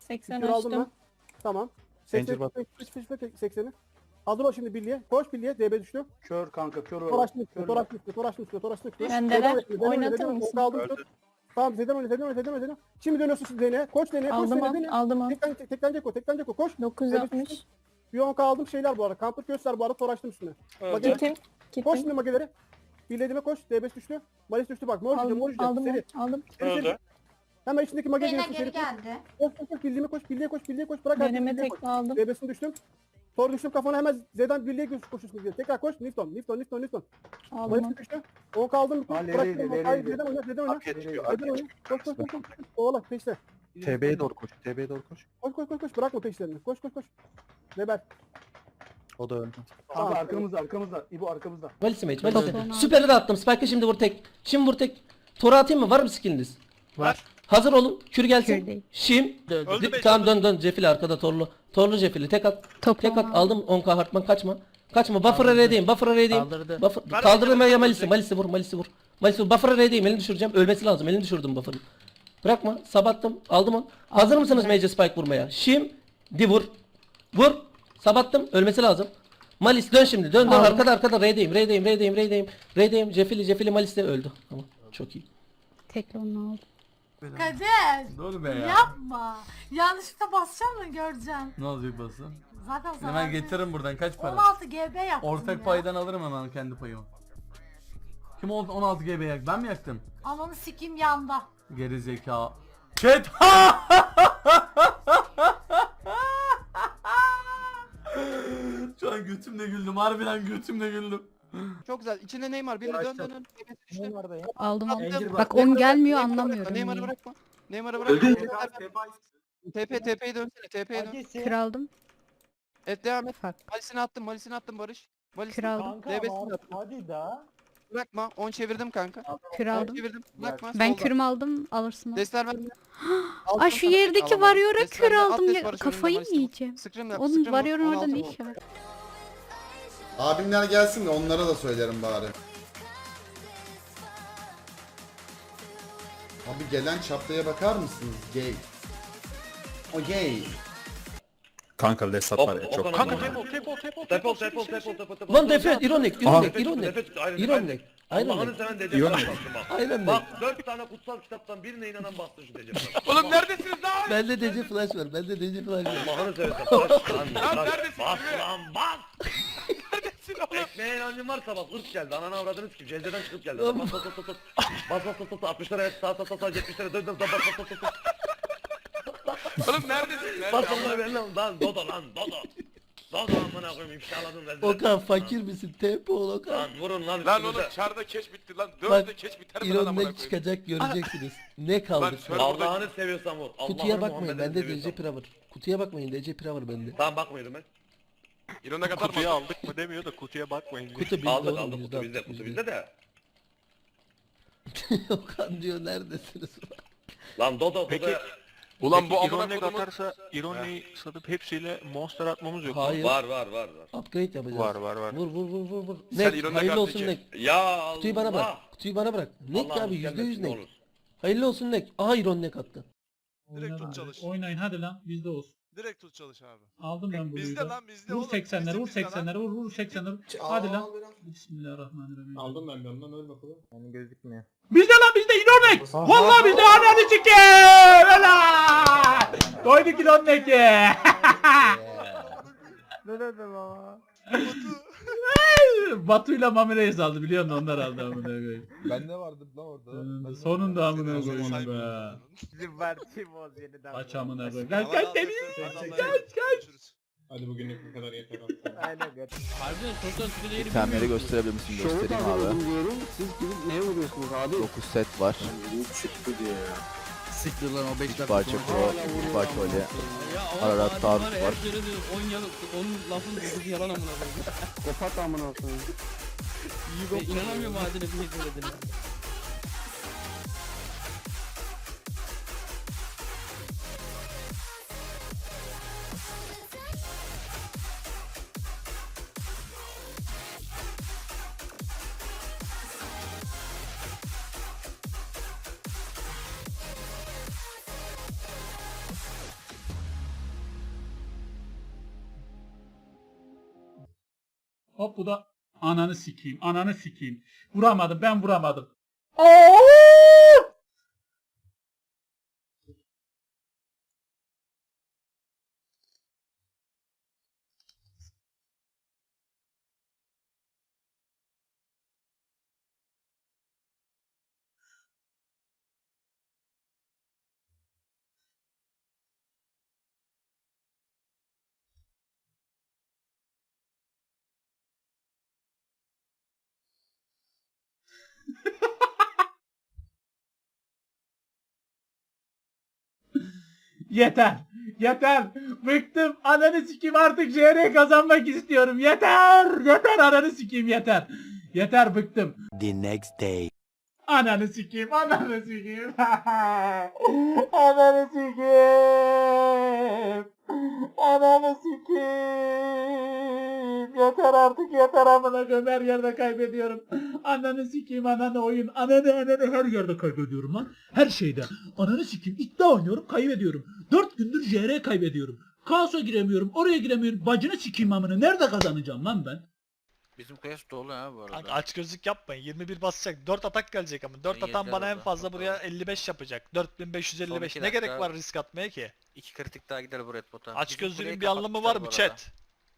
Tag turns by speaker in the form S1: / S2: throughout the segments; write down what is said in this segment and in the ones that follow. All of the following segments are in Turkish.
S1: 80
S2: Kür aldım ben.
S1: açtım.
S2: Tamam.
S3: Zincir bak.
S2: 80'i. Hazır ol şimdi birliğe. Koş birliğe. DB düştü.
S4: Kör kanka kör
S2: Tor
S4: var.
S2: açtım üstüne. Tor açtım üstüne. Tor açtım üstüne. Tor açtım üstüne.
S1: Bendeler. Oynatır mısın?
S2: Aldım. Tamam Zeden oyna. Şimdi dönüyorsun siz Zeynep'e. Koş Zeynep'e. Koş
S1: Aldım
S2: Zeynep'e.
S1: on. Aldım on.
S2: Tekten Ceko. Koş.
S1: 960.
S2: Bir 10k aldım şeyler bu arada. Kampır göster bu arada. Tor açtım üstüne. Mage-
S1: Gittim.
S2: Koş
S1: Gittim.
S2: şimdi mageleri. Birlediğime koş. DB düştü. Malis düştü bak. Mor
S1: Aldım.
S2: gidiyor.
S1: Aldım.
S2: Seri.
S1: Aldım.
S2: Seri. Hemen içindeki mage
S5: Zeyna
S2: geliyorsun.
S5: geri
S2: Seri.
S5: geldi.
S2: Koş. Birliğe koş. Bırak artık.
S1: Deneme
S2: Birliğe koş.
S1: tekme aldım.
S2: DB'sini düştüm. Tor düştüm kafana hemen Z'den birliğe koşuyorsun diye. Tekrar koş. Nifton.
S1: Aldım.
S2: Malis düştü. 10 kaldım.
S4: Ha,
S2: Bırak.
S4: nereye,
S2: Hayır
S4: nereye?
S2: Z'den oyna.
S3: Hak geçiyor.
S2: Z'den oyna. Koş. Oğlak peşte.
S3: TB'ye doğru koş. TB'ye doğru koş.
S2: Koş. Bırakma peşlerini. Koş. Reber.
S3: O da öldü.
S4: Kanka arkamızda. İbo arkamızda.
S6: Malis'e mage.
S1: Tamam.
S6: Süper'i de attım. Spike'ı şimdi vur tek. Tora atayım mı? Var mı skilliniz?
S7: Var.
S6: Hazır olun. Kür gelsin.
S1: Kür değil.
S7: Öldü beş.
S6: Tamam dön. Cefil arkada torlu. Torlu Cefili. Tek at. Tek at. Aldım 10k Hartman kaçma. Buffer'a R'deyim. Kaldırdım ya Malis'i vur. Malis'i vur. Buffer'a R'deyim. Elini düşüreceğim. Ölmesi lazım. Elini düşürdüm Buffer'ın. Bırakma. Sabattım. Aldım onu. Hazır mısınız Mage Spike vurmaya? Şimdi vur. Sabattım. Ölmesi lazım. Malis dön şimdi. Dön. Arkada R'deyim. Cefili Malis de öldü. Tamam. Çok iyi.
S1: Tekrar onu aldım.
S8: Kadir
S7: Dur be ya.
S8: yapma. Yanlışlıkla basacağım mı göreceğim.
S7: Ne olacak basın?
S8: Zaten sana
S7: Hemen getiririm buradan kaç para?
S8: 16 GB yaptım
S7: Ortak
S8: ya.
S7: paydan alırım hemen kendi payımı. Kim oldu 16 GB yak? Ben mi yaktım?
S8: Ananı sikeyim yanda.
S7: Geri zeka. Chat. Şu an götümle güldüm. Harbiden götümle güldüm.
S9: Çok güzel. İçinde Neymar. Biri dön.
S1: Aldım onu.
S9: Attım.
S1: Bak 10 gelmiyor
S9: Neymar'ı
S1: anlamıyorum.
S9: Neymar'ı
S1: niye.
S9: bırakma. Neymar'ı bırakma. TP'ye dönsene. TP'ye dön.
S1: Kür aldım.
S9: Evet devam et.
S1: Bak.
S9: Malisini attım Barış.
S1: Kür aldım.
S9: DB'sini attım.
S4: Hadi da.
S9: Bırakma. 10 çevirdim kanka.
S1: Kür
S9: 10
S1: aldım.
S9: çevirdim. Bırakma.
S1: Ben
S9: solda.
S1: kürümü aldım. Alırsın onu.
S9: Desler ver.
S1: Aa şu yerdeki varıyor'a kür aldım ya. Kafayı yiyeceğim.
S9: Scream
S1: Onun varıyor'un orada ne işi var?
S10: Abimler gelsin de onlara da söylerim bari. Abi gelen çaplaya bakar mısınız? Gay. O gay.
S3: Kanka Lesat var ya çok.
S7: Kanka tepol.
S6: Lan defet. İronik.
S3: İyon
S6: Aynen.
S7: Bak 4 tane kutsal kitaptan birine inanan bastı şu Decep. Oğlum neredesiniz lan?
S6: Bende DC flash var.
S7: Allah'ını seversen bas lan. Neredesin? Bas lan bas. Neredesin oğlum? Ekmeğe inancın varsa bak ırk geldi. Ananı avradınız kim? Cezeden çıkıp geldi. Bas. Bas 60'lara evet sağ 70'lere dön bas. Oğlum neredesin? Bas onları ben lan Dodo. Dodo amına koyayım ifşaladın rezil.
S6: Okan fakir misin? Tempo ol Okan.
S7: Lan vurun lan.
S11: Lan oğlum çarda keş bitti lan.
S6: Bak,
S11: 4'te keş biter mi lan amına
S6: İronek
S11: koyayım?
S6: çıkacak göreceksiniz. Ne kaldı?
S11: Lan şöyle-
S7: Allah'ını seviyorsan vur.
S6: Kutuya
S7: Allah'ını
S6: bakmayın.
S7: Muhammed'ini
S6: Bende DC
S7: seviyorsan.
S6: Power. Kutuya bakmayın. DC Power bende.
S7: Tamam bakmıyorum ben.
S11: İrona kadar
S3: kutuyu
S11: mı?
S3: aldık mı demiyor da kutuya bakmayın.
S6: Kutu bizde
S7: Aldık
S6: oğlum.
S7: kutu bizde kutu bizde de.
S6: Okan diyor neredesiniz?
S7: Lan Dodo
S3: Peki,
S11: Ulan bu amına
S3: İronek
S11: kodumun...
S3: atarsa İroneyi satıp hepsiyle monster atmamız yok.
S6: Hayır.
S7: var.
S6: Upgrade yapacağız.
S3: Var.
S6: Vur.
S11: Sen
S6: Nek,
S11: İronek
S6: hayırlı
S11: attın
S6: olsun
S11: ki.
S6: Nek.
S7: Ya Allah.
S6: Kutuyu bana bırak. Nek
S7: Allah'ım
S6: abi
S7: gelmesin,
S6: %100
S7: ne
S6: Nek.
S7: olur.
S6: Hayırlı olsun Nek. Aha İron Nek attı.
S11: Direkt tut çalış.
S12: Oynayın hadi lan bizde olsun.
S11: Direkt tut çalış abi.
S12: Aldım ben bunu.
S11: Bizde lan bizde
S12: Vur
S11: oğlum.
S12: 80'leri vur
S11: Bizim bizde lan.
S12: 80'leri vur 80'leri. Hadi lan. Bismillahirrahmanirrahim.
S4: Aldım ben de ondan öl bakalım. Yani gözükmüyor.
S12: Bizde lan bizde İronek. Vallahi bizde ananı sikeyim. Helal. Koyduk İronek'i.
S4: Ne dedim ama?
S12: Batu'yla Mamire'yi saldı biliyor musun onlar aldı amına koyayım.
S4: Ben de vardım lan orada.
S12: Sonunda amına
S11: Seni
S12: koyayım
S11: saymıyorum
S12: be.
S11: ben onun.
S4: Bizim verdiğim o yeniden.
S12: Kaç amına koyayım.
S11: Tamam,
S12: Kaç
S11: al,
S12: temiz.
S11: Görüşürüz.
S4: Hadi bugünlük bu kadar yeter. Aynen gör.
S9: İtemleri gösterebilir misin? Göstereyim abi.
S2: Diyorum. Siz gidip neye vuruyorsunuz abi?
S9: 9 set var.
S4: Çıktı diye.
S12: Siktir lan o 5
S9: 3 parça pro, 3 parça oli. Ararat taarruz var. Onun lafın dediği yalan amına koyayım.
S2: Kapat amına koyayım.
S9: İnanamıyorum adine bir şey söylediğine.
S12: Hop bu da ananı sikeyim. Ananı sikeyim. Vuramadım, ben vuramadım. Yeter. Yeter. Bıktım. Ananı sikeyim, artık JR kazanmak istiyorum. Yeter. Yeter, ananı sikeyim, yeter. Yeter, bıktım.
S4: The next day.
S12: Ananı sikeyim. Ananı sikeyim. Ananı sikeyim. Ananı sikeyim. Yeter artık, yeter amına koyayım, her yerde kaybediyorum. Ananı sikeyim, ananı oyun. Ananı her yerde kaybediyorum lan. Her şeyde. Ananı sikeyim, iddia oynuyorum, kaybediyorum. 4 gündür JR kaybediyorum. Kaos'a giremiyorum, oraya giremiyorum. Bacını sikeyim amına. Nerede kazanacağım lan ben?
S9: Bizim kıyas dolu ha bu arada.
S5: Kanka aç gözlük yapmayın. 21 basacak. 4 atak gelecek ama. 4 atan bana en fazla buraya 55 yapacak. 4555. Ne gerek var risk atmaya ki?
S9: 2 kritik daha gider bu red bota.
S5: Aç gözlüğün bir anlamı var mı chat?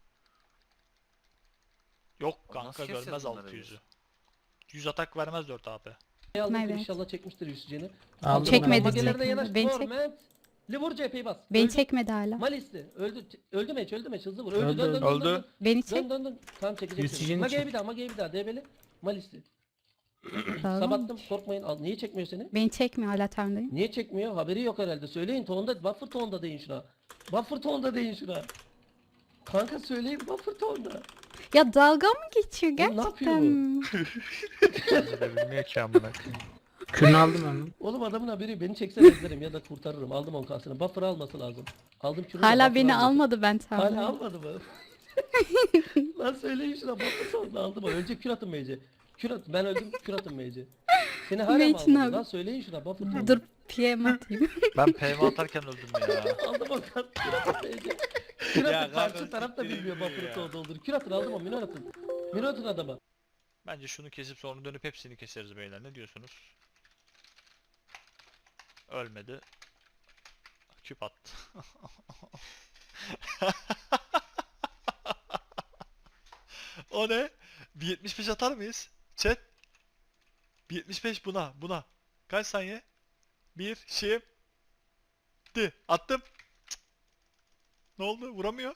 S5: Yok kanka, görmez 600'ü. 100 atak vermez 4 AP.
S6: Almıştır,
S1: Evet.
S6: inşallah çekmiştir Yusuf'cini.
S1: Çekmedi,
S6: Magelerde
S1: çekmedi.
S6: yanaş.
S1: Beni
S6: Vur,
S1: çek-
S6: Ment. Vur cepheyi bas.
S1: Beni
S6: Öldü.
S1: çekmedi hala.
S6: Malisli. Öldü meç, hızlı vur. Öldü,
S12: Öldü,
S6: dön, dön,
S3: öldü.
S6: dön, dön.
S1: Beni çek.
S6: Dön. Tamam çekecek.
S12: Yusuf'cini
S6: Mage'ye bir daha, DB'li. Malisli.
S1: Tamam.
S6: Sabattım, korkmayın. Niye çekmiyor seni?
S1: Beni çekmiyor hala Tanrı'yım.
S6: Niye çekmiyor? Haberi yok herhalde. Söyleyin tonda, buffer tonda deyin şuna. Buffer tonda deyin şuna. Kanka söyleyin buffer tonda.
S1: Ya dalga mı geçiyor
S6: Oğlum ne
S1: gerçekten?
S6: yapıyor bu?
S1: mi?
S3: Bilmiyor ki amına.
S12: Kürünü aldım ben.
S6: Oğlum adamın haberi, beni çeksen ezlerim ya da kurtarırım. Aldım 10K'sını. Buffer alması lazım. Aldım kürünü.
S1: Hala beni almadı ben
S6: Hala
S1: Tanrı'yım.
S6: almadı mı? Lan söyleyin şuna, buffer sonunda aldım o. Önce kür atın Mage'e. Kür atın, ben öldüm, kür atın Mage'e. Seni hala mı
S1: Mage'in
S6: almadı?
S1: abi.
S6: Lan söyleyin şuna, buffer sonunda.
S1: Dur PM atayım.
S5: Ben PM atarken öldüm ya.
S6: Aldım o kart, kür atın Mage'e. Kür
S5: Ya
S6: atın,
S5: kanka,
S6: karşı taraf da
S5: siktir
S6: bilmiyor
S5: ediyor
S6: buffer'ı
S5: ya.
S6: sonunda olur. Kür atın, aldım o, minor atın. Minor atın adama.
S5: Bence şunu kesip sonra dönüp hepsini keseriz beyler. Ne diyorsunuz? Ölmedi. Küp attı. O ne? Bir 75 atar mıyız? Chat. Bir 75 buna. Kaç saniye? Bir şimdi. Attım. Cık. Ne oldu? Vuramıyor.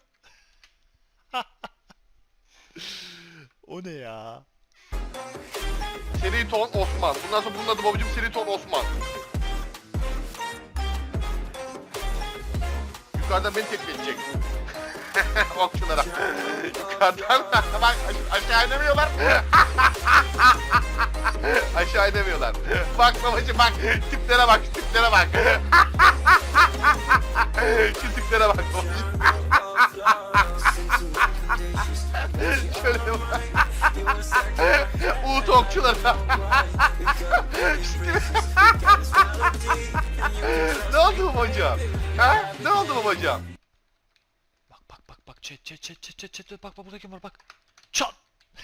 S5: O ne ya?
S11: Seri ton Osman. Bundan sonra bunun adı babacım Seri ton Osman. Yukarıdan beni tekme edecek. Bak şunlara. Yukarıdan bak aşağı inemiyorlar. Aşağı inemiyorlar. Bak babacım bak. Tiplere bak. Tiplere bak. Şu tiplere bak babacım. Şöyle bak. Uğut okçulara. Ne oldu babacım? Ha? Ne oldu babacım?
S5: Bak chat bak burada kim var bak. Çat.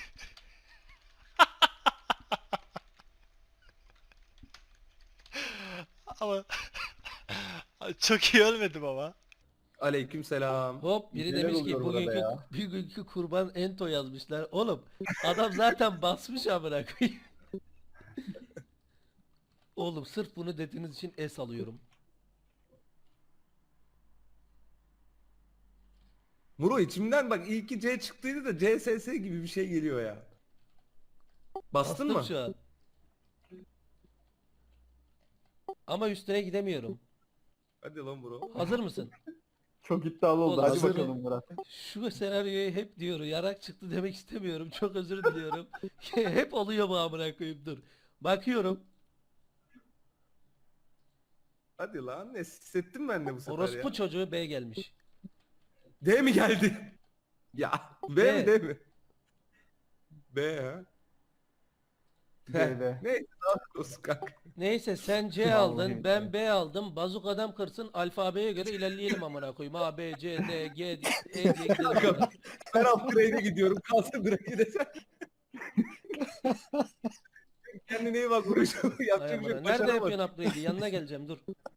S5: Ama çok iyi ölmedim ama.
S4: Aleykümselam.
S6: Hop biri
S2: Neler
S6: demiş ki
S2: oluyor burada
S6: bugünkü kurban Ento yazmışlar. Oğlum adam zaten basmış amına koyayım. Oğlum sırf bunu dediğiniz için es alıyorum.
S4: Muro içimden bak iyi ki C çıktıydı da CSS gibi bir şey geliyor ya. Bastın
S6: Bastım
S4: mı?
S6: şu an. Ama üstüne gidemiyorum.
S4: Hadi lan Muro.
S6: Hazır mısın?
S2: Çok iddialı oldu.
S6: Oğlum,
S2: Hadi
S6: hazır
S2: bakalım Murat.
S6: Şu senaryoyu hep diyor. Yarak çıktı demek istemiyorum. Çok özür diliyorum. Hep oluyor bu amına koyayım, dur. Bakıyorum.
S4: Hadi lan ne hissettim ben de bu sefer
S6: Orospu
S4: ya.
S6: çocuğu B gelmiş.
S4: D mi geldi? Ya B
S6: B.
S4: mi D mi? B ha.
S2: B'de.
S4: Neyse daha olsun kanka.
S6: Neyse sen C aldın, ben B aldım. Bazuk adam kırsın, alfabeye göre ilerleyelim amına koyayım. A, B, C, D, G, E diye gidelim.
S4: Ben upgrade'e gidiyorum. Kalsın Drake'e de sen. Kendine iyi bak Vuruş.
S6: Ay
S4: Yapacak bir
S6: amına.
S4: şey
S6: Nerede
S4: başaramadın.
S6: yapıyorsun upgrade'i? Yanına geleceğim dur.